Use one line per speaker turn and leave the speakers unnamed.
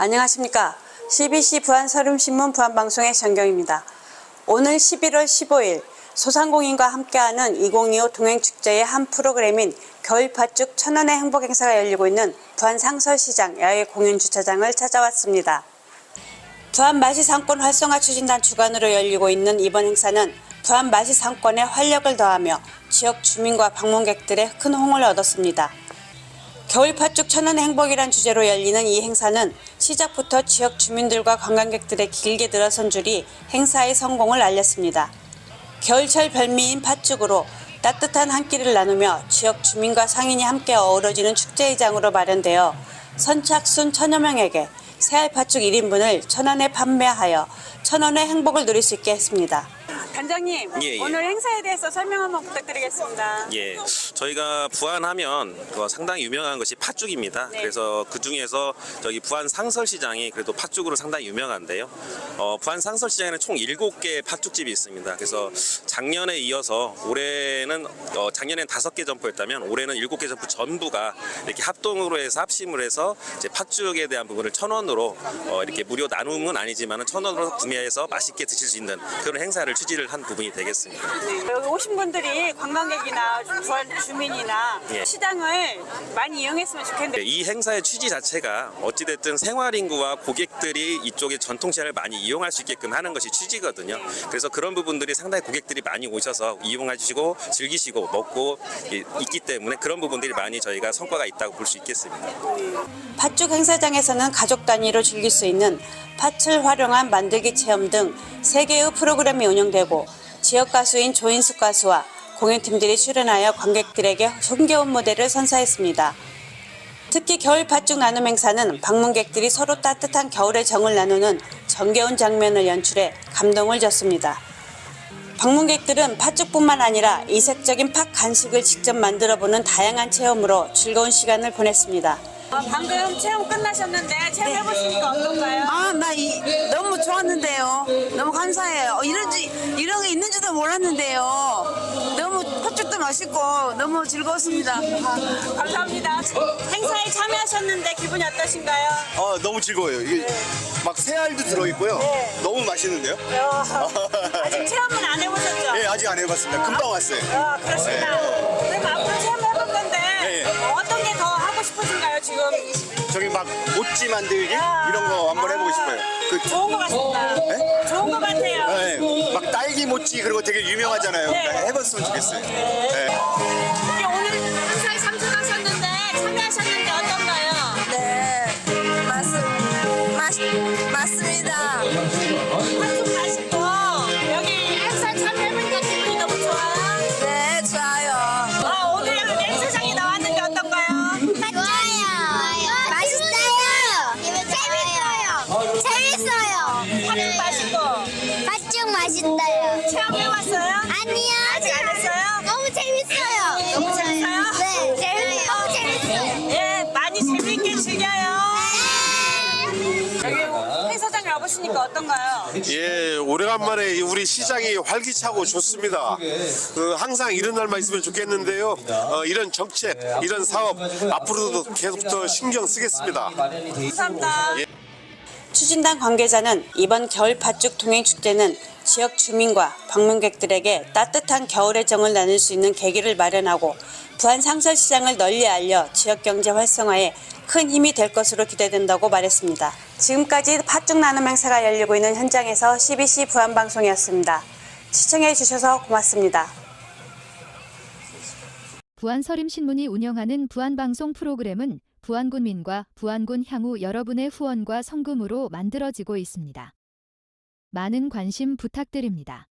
안녕하십니까. CBC 부안서름신문 부안방송의 정경입니다. 오늘 11월 15일 소상공인과 함께하는 2025 동행축제의 한 프로그램인 겨울팥죽 천원의 행복행사가 열리고 있는 부안상설시장 야외 공연주차장을 찾아왔습니다. 부안마시상권 활성화 추진단 주관으로 열리고 있는 이번 행사는 부안마시상권에 활력을 더하며 지역 주민과 방문객들의 큰 호응을 얻었습니다. 겨울팥죽 천원의 행복이란 주제로 열리는 이 행사는 시작부터 지역 주민들과 관광객들의 길게 늘어선 줄이 행사의 성공을 알렸습니다. 겨울철 별미인 팥죽으로 따뜻한 한 끼를 나누며 지역 주민과 상인이 함께 어우러지는 축제의장으로 마련되어 선착순 1000여 명에게 새알팥죽 1인분을 1000원에 판매하여 1000원의 행복을 누릴 수 있게 했습니다. 단장님,
예.
오늘 행사에 대해서 설명 한번 부탁드리겠습니다.
예, 저희가 부안하면 상당히 유명한 것이 팥죽입니다.
네.
그래서 그 중에서 저기 부안 상설시장이 그래도 팥죽으로 상당히 유명한데요. 부안 상설시장에는 총 7개의 팥죽집이 있습니다. 그래서 작년에 이어서 올해는 작년엔 5개 점포였다면 올해는 7개 점포 전부가 이렇게 합동으로 해서 합심을 해서 이제 팥죽에 대한 부분을 1000원으로 이렇게 무료 나눔은 아니지만은 1000원으로 구매해서 맛있게 드실 수 있는 그런 행사를 취지를 한 부분이 되겠습니다.
네, 여기 오신 분들이 관광객이나 부안 주민이나
예.
시장을 많이 이용했으면 좋겠는데
이 행사의 취지 자체가 어찌됐든 생활인구와 고객들이 이쪽의 전통시장을 많이 이용할 수 있게끔 하는 것이 취지거든요. 그래서 그런 부분들이 상당히 고객들이 많이 오셔서 이용하시고 즐기시고 먹고 있기 때문에 그런 부분들이 많이 저희가 성과가 있다고 볼 수 있겠습니다.
팥죽 행사장에서는 가족 단위로 즐길 수 있는 팥을 활용한 만들기 체험 등 3개의 프로그램이 운영되고 지역 가수인 조인숙 가수와 공연팀들이 출연하여 관객들에게 흥겨운 무대를 선사했습니다. 특히 겨울 팥죽 나눔 행사는 방문객들이 서로 따뜻한 겨울의 정을 나누는 정겨운 장면을 연출해 감동을 줬습니다. 방문객들은 팥죽뿐만 아니라 이색적인 팥 간식을 직접 만들어보는 다양한 체험으로 즐거운 시간을 보냈습니다. 방금 체험 끝나셨는데 체험해보시니까 어떤가요?
너무 좋았는데요. 너무 감사해요. 이런 게 있는 줄도 몰랐는데요. 너무 팥죽도 맛있고 너무 즐거웠습니다.
감사합니다. 행사에 참여하셨는데 기분이 어떠신가요?
너무 즐거워요. 이게 막 새알도 들어있고요.
네.
너무 맛있는데요?
아직 체험은 안 해보셨죠?
네, 아직 안 해봤습니다. 금방 왔어요.
그렇습니다. 그럼 앞으로 체험해볼 건데
네.
어떤 게 더 하고 싶으신가요 지금?
저기 막 모찌 만들기 이런 거 한번 해보고 싶어요.
좋은 것 같습니다.
네?
좋은 것 같아요.
네, 막 딸기 모찌 그런 거 되게 유명하잖아요.
네.
해봤으면 좋겠어요. 네.
이게 오늘 행사에 참석하셨는데 참여하셨는데 어떤가요?
네, 맞습니다.
팥죽 맛있고 여기 행사에 참여해보니까 기분이 너무 좋아요.
네, 좋아요.
오늘 여기 행사장에 나왔는데 어떤가요?
좋아요. 맛있어요. 재밌어요.
팥죽 맛있고
팥죽 맛있어요.
체험해봤어요?
아니요.
아직 안 했어요?
너무 재밌어요.
너무 재밌어요?
네. 너무 재밌어요.
예, 많이 재밌게 즐겨요.
네.
여기 행사장에 와보시니까 어떤가요?
예, 오래간만에 우리 시장이 활기차고 좋습니다. 항상 이런 날만 있으면 좋겠는데요. 이런 정책, 이런 사업 앞으로도 계속 더 신경 쓰겠습니다.
감사합니다. 추진단 관계자는 이번 겨울 팥죽 동행축제는 지역 주민과 방문객들에게 따뜻한 겨울의 정을 나눌 수 있는 계기를 마련하고 부안 상설시장을 널리 알려 지역경제 활성화에 큰 힘이 될 것으로 기대된다고 말했습니다. 지금까지 팥죽 나눔 행사가 열리고 있는 현장에서 CBC 부안방송이었습니다. 시청해 주셔서 고맙습니다.
부안서림신문이 운영하는 부안방송 프로그램은 부안군민과 부안군 향후 여러분의 후원과 성금으로 만들어지고 있습니다. 많은 관심 부탁드립니다.